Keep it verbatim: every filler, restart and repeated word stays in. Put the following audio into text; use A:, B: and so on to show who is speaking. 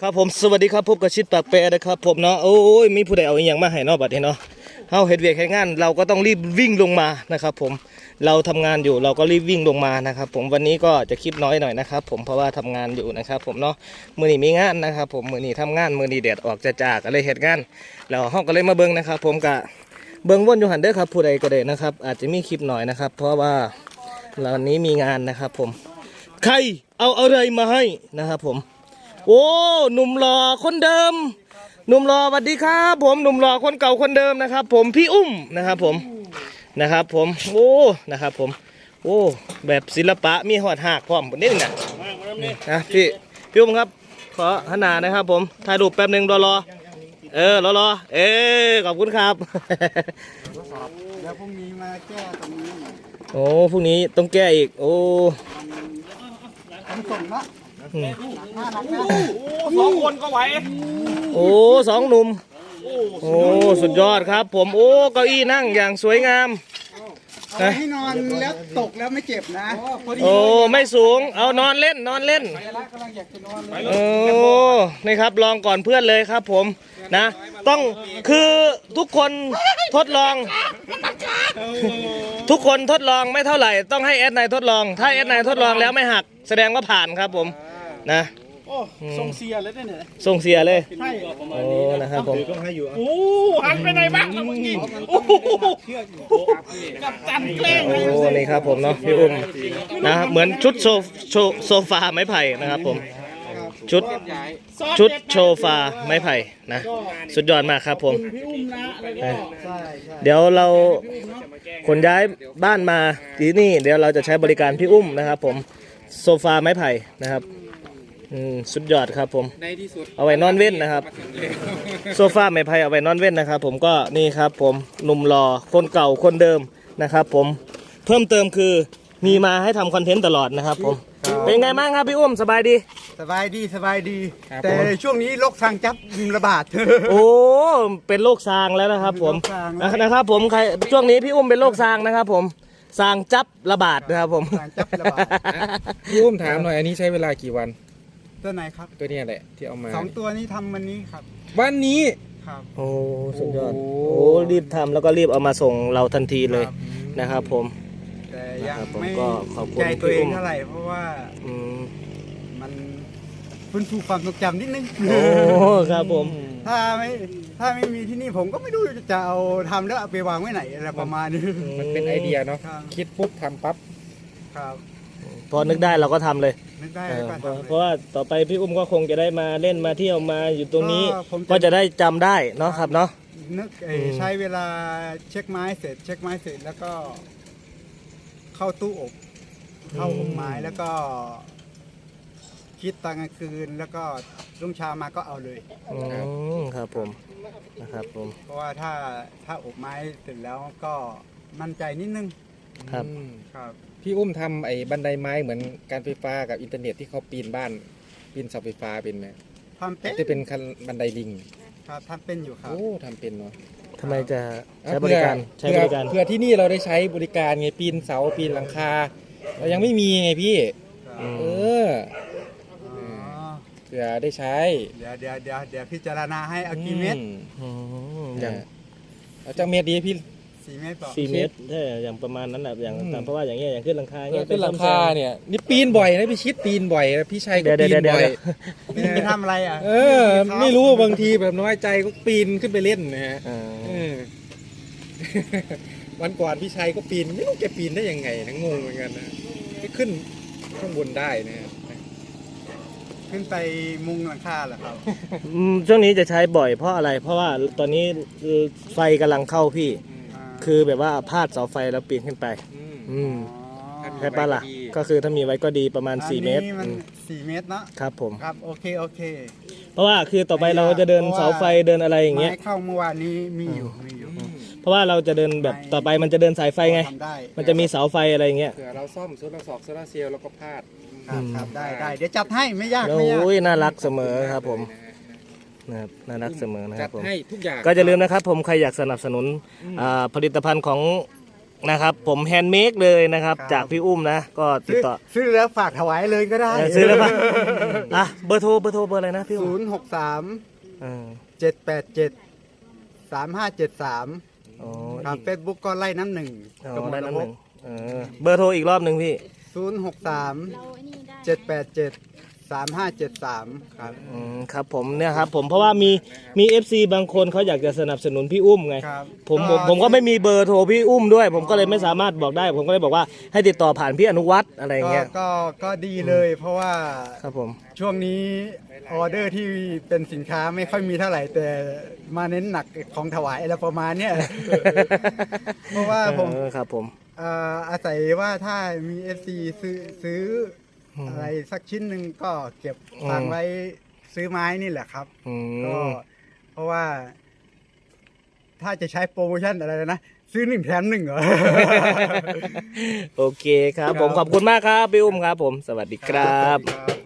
A: ครับผมสวัสดีครับพบกับชิดปากแปรนะครับผมเนาะโอ้ยมีผู้ใดเอาอีหยังมาให้เนาะบัดนี้เนาะเฮาเฮ็ดเวียกเฮ็ดงานเราก็ต้องรีบวิ่งลงมานะครับผมเราทำงานอยู่เราก็รีบวิ่งลงมานะครับผมวันนี้ก็จะคลิปน้อยหน่อยนะครับผมเพราะว่าทำงานอยู่นะครับผมเนาะมื้อนี้มีงานนะครับผมมื้อนี้ทำงานมื้อนี้แดดออกจะจากก็เลยเฮ็ดงานแล้วเฮาก็เลยมาเบิ่งนะครับผมกะเบิ่งวนอยู่หั่นเด้อครับผู้ใดก็ได้นะครับอาจจะมีคลิปหน่อยนะครับเพราะว่าวันนี้มีงานนะครับผมใครเอาอะไรมาให้นะครับผมโอ้หนุ่มหล่อคนเดิมหนุ่มหล่อสวัสดีครับผมหนุ่มหล่อคนเก่าคนเดิมนะครับผมพี่อุ้มนะครับผมนะครับผมโอ้นะครับผมโอ้แบบศิลปะมีหอดหักพร้อมนิดนึงนะนะพี่พี่อุ้มครับขอขนาดนะครับผมถ่ายรูปแป๊บหนึ่งรอรอเออรอรอเออขอบคุณครับ
B: เดี๋ยวพรุ่งนี้มาแก้ตรงนี้
A: โอ้พรุ่งนี้ต้องแก้อีกโอ้
B: ผมส่งละ
C: สองคนก็ไหว
A: โอ้สองหนุ่มโอ้สุดยอดครับผมโอ้เก้าอี้นั่งอย่างสวยงาม
B: เอาให้นอนแล้วตกแล้วไม่เจ็บนะ
A: โอ้ไม่สูงเอานอนเล่นนอนเล่นโอ้นี่ครับลองก่อนเพื่อนเลยครับผมนะต้องคือทุกคนทดลองทุกคนทดลองไม่เท่าไหร่ต้องให้แอดนายทดลองถ้าแอดนายทดลองแล้วไม่หักแสดงว่าผ่านครับผมนะ
B: ส่งเสียเลยเนี่ย
A: ส่งเสียเลยโอ้นะครับผม
C: โอ้หันไปไหนบ้างเมื่อกี้โอ้กับจันแกล้ง
A: โอ้นี่ครับผมเนาะพี่อุ้มนะเหมือนชุดโซโซฟาไม้ไผ่นะครับผมชุดชุดโซฟาไม้ไผ่นะสุดยอดมากครับผมเดี๋ยวเราขนย้ายบ้านมาที่นี่เดี๋ยวเราจะใช้บริการพี่อุ้มนะครับผมโซฟาไม้ไผ่นะครับสุดยอดครับผมเอาไว้นอนเว้นนะครับโซฟาไม้ไผ่เอาไว้นอนเว้นนะครับผมก็นี่ครับผมหนุ่มหล่อคนเก่าคนเดิมนะครับผมเพิ่มเติมคือมีมาให้ทำคอนเทนต์ตลอดนะครับผมเป็นไงบ้างครับพี่อุ้มสบายดี
B: สบายดีสบายดีแต่ช่วงนี้โรคซางจับระบาด
A: โอ้เป็นโรคซางแล้วนะครับผมนะครับผมใครช่วงนี้พี่อุ้มเป็นโรคซางนะครับผมซางจับระบาดนะครับผม
C: พี่อุ้มถามหน่อยอันนี้ใช้เวลากี่วัน
B: ตัวไหนครับ
C: ตัวนี้แหละที่เอามา
B: สองตัวนี้ทำวันนี้ครับ
C: วันนี้
B: ครับ
A: โอ้สุดยอดโอ้รีบทำแล้วก็รีบเอามาส่งเราทันทีเลยนะครับผม
B: แต่ยังไม่ใจตัวเองเท่าไหร่เพราะว่ามันฟื้นฟูความทรงจำนิดนึง
A: โอ้ครับผม
B: ถ้าไม่ถ้าไม่มีที่นี่ผมก็ไม่รู้จะเอาทำแล้วเอาไปวางไว้ไหนอะไรประมาณนี้
C: มันเป็นไอเดียเนาะคิดปุ๊บทำปั๊บ
B: ครับ
A: พอนึกได้เราก็ทำเลย
B: นึกได้
A: เพราะว่าต่อไปพี่อุ้มก็คงจะได้มาเล่นมาเที่ยวมาอยู่ตรงนี้ก็จะได้จำได้เนาะครับเนาะ
B: นึกใช้เวลาเช็คไม้เสร็จเช็คไม้เสร็จแล้วก็เข้าตู้อบเข้าอบไม้แล้วก็คิดตอนกลางคืนแล้วก็รุ่งเช้ามาก็เอาเลย
A: ครับผมนะครับผม
B: เพราะว่าถ้าถ้าอบไม้เสร็จแล้วก็มั่นใจนิดนึง
A: ครับ
B: ครับ
C: พี่อุ้มทำไอ้บันไดไม้เหมือนการไฟฟ้ากับอินเทอร์เน็ตที่เขาปีนบ้านปีนเสาไฟฟ้าเป็นไหม
B: ทำเป็น
C: จะเป็นบันไดลิง
B: ครับทำเป็นอยู่ครับ
C: โอ้ทำเป็นเนาะ
A: ทำไมจะใช้บริการใช้บริการ
C: เพื่อที่นี่เราได้ใช้บริการไงปีนเสาปีนหลังคาเรายังไม่มีไงพี่เออเพื่อได้ใช้
B: เดี๋ยวเดี๋ยวเดี๋ยวเดี๋ยวพิจารณาให้เอากี่เมตร
A: อย่าง
C: เอาจากเมตรดีพี่
B: สี่เมตรต่อ
A: สี่เมตรใช่อย่างประมาณนั้นแหละอย่างเพราะว่าอย่างเงี้ยอย่างขึ้นหลังคาเงี้ย
C: ขึ้นหลังคาเนี่ยนี่ปีนบ่อยนะพี่ชิดปีนบ่อยพี่ชัยก็ปีนบ่อย
B: ไปทำอะไรอ่ะ
C: เออไม่รู้บางทีแบบน้อยใจก็ปีนขึ้นไปเล่นนะฮะวันก่อนพี่ชัยก็ปีนไม่รู้แกปีนได้ยังไงทั้งงงเหมือนกันนะขึ้นข้างบนได้นะ
B: ขึ้นไปมุงหลังคาเหรอครับ
A: ช่วงนี้จะใช้บ่อยเพราะอะไรเพราะว่าตอนนี้ไฟกำลังเข้าพี่คือแบบว่าพาดเสาไฟแล้วปีนขึ้นไปอืมใช่ปะล่ะก็คือถ้ามีไว้ก็ดีประมาณสี่เมตร
B: สี่เมตร
A: นะครับผม
B: ครับโอเคโอเค
A: เพราะว่าคือต่อไปเราจะเดินเสาไฟเดินอะไรอย่างเงี้ย
B: เข้าเมื่อวานนี้มีอยู่มีอยู่
A: เพราะว่าเราจะเดินแบบต่อไปมันจะเดินสายไฟไงมันจะมีเสาไฟอะไรอย่างเงี้ย
C: เผื่อเราซ่อมโซลาร์สอกโซลาร์เซลล์แล้วก็พาด
B: ครับได้ได้เดี๋ยวจัดให้ไม่ยากไม่ยาก
A: โอ้ยน่ารักเสมอครับผมนะครับน่ารักเสมอนะครับผม
C: ให้ทุกอย่าง
A: ก็จะลืมนะครับผมใครอยากสนับสนุนผลิตภัณฑ์ของนะครับผมแฮนด์เมดเลยนะครับ
B: ครับ
A: จากพี่อุ้มนะก็ติด
B: ซื้อ
A: ต่อ
B: ซื้อแล้วฝากถวายเลยก็ได้
A: เออซื้อแล้วปะอ่ะเบอร์โทรเบอร์โทรเบอร์อะไรนะพี่อุ้
B: ศู
A: ม
B: นย์หกสาม
A: เออ
B: เจ็ดแปดเจ็ดสามห้าเจ็ดสาม
A: อ๋อ
B: ครับ
A: อีก
B: เฟซบุ๊กก็ไล่น้ำหนึ่ง
A: อ๋อได้น้ำหนึ่งเออเบอร์โทรอีกรอบหนึ่งพี่
B: ศูนย์หกสาม
D: เราไอ้นี่ได้
B: เจ็ดแปดเจ็ดสามห้าเจ็ดสามครับ
A: อืมครับผมเนี่ยครับผมเพราะว่ามีมี เอฟ ซี บางคนเขาอยากจะสนับสนุนพี่อุ้มไง
B: ครับ
A: ผมผมผมก็ไม่มีเบอร์โทรพี่อุ้มด้วย ผมก็เลยไม่สามารถบอกได้ ผมก็เลยบอกว่าให้ติดต่อผ่านพี่อนุวัฒน์อะไรอย่าง
B: ก็
A: เงี้ย
B: ก็ก็ดีเลย เพราะว่า
A: ครับผม
B: ช่วงนี้ออเดอร์ที่เป็นสินค้าไม่ค่อยมีเท่าไหร่ แต่มาเน้นหนักของถวายอะไรประมาณเนี้ย เพราะว่าผม
A: เออครับผม
B: เอ่ออาศัยว่าถ้ามี เอฟ ซี ซื้อซื้ออ
A: ม
B: อะไรสักชิ้นหนึ่งก็เก็บ
A: อืม
B: ตังค์ไว้ซื้อไม้นี่แหละครับ
A: อื
B: ก็
A: ม
B: เพราะว่า ถ้าจะใช้โปรโมชั่นอะไรนะ ซื้อหนึ่งแถมหนึ่งเหรอ
A: โอเคครับผมขอบคุณมากครับพี่อุ้มครับผมสวัสดีครับ
B: ครับ